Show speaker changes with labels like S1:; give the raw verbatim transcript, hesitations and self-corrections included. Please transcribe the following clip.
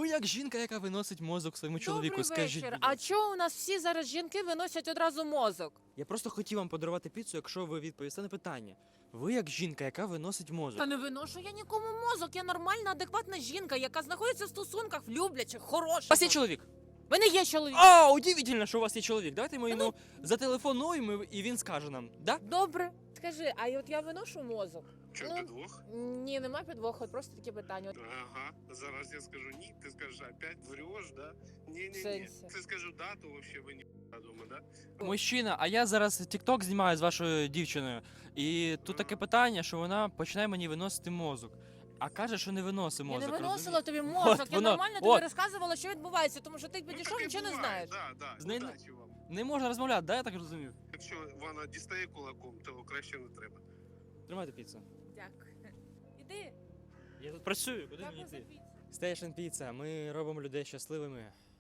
S1: Ви як жінка, яка виносить мозок своєму чоловіку,
S2: Добрий
S1: скажіть.
S2: вечір.
S1: будь
S2: А
S1: ласка.
S2: чого у нас всі зараз жінки виносять одразу мозок?
S1: Я просто хотів вам подарувати піцу, якщо ви відповісте на питання. Ви як жінка, яка виносить мозок.
S2: Та не виношу я нікому мозок. Я нормальна, адекватна жінка, яка знаходиться в стосунках, в люблячих, хороших.
S1: У вас є чоловік?
S2: В мене є чоловік.
S1: А, удивительно, що у вас є чоловік. Давайте ми
S2: Та
S1: йому зателефонуємо і він скаже нам, да?
S2: Добре. Скажи, а от я виношу мозок?
S3: Що,
S2: Ну,
S3: підвох?
S2: Ні, нема підвоху, просто таке питання.
S3: Ага, зараз я скажу ні, ти скажеш опять врешь, да? Ні-ні-ні,
S2: Сенсі.
S3: ти скажу да, то вообще ви ні дома, да?
S1: Мужчина, а я зараз тік-ток знімаю з вашою дівчиною. І тут таке питання, що вона починає мені виносити мозок. А каже, що не виносить
S2: Я
S1: мозок.
S2: не виносила
S1: розумієте?
S2: тобі мозок,
S1: От
S2: я
S1: воно,
S2: нормально тобі
S1: от.
S2: розказувала, що відбувається, тому що ти підійшов,
S3: таке
S2: нічого не
S3: буває,
S2: знаєш.
S3: Да, да,
S1: З нею не-
S3: удачі вам.
S1: Не можна розмовляти, да, я так розумів?
S3: Якщо вона дістає кулаком, то краще не треба.
S1: Тримайте піцу.
S2: Дякую. Іди.
S1: Я тут працюю, куди мені
S2: Дякую за
S1: йти?
S2: піцу.
S1: Station Pizza. Ми робимо людей щасливими.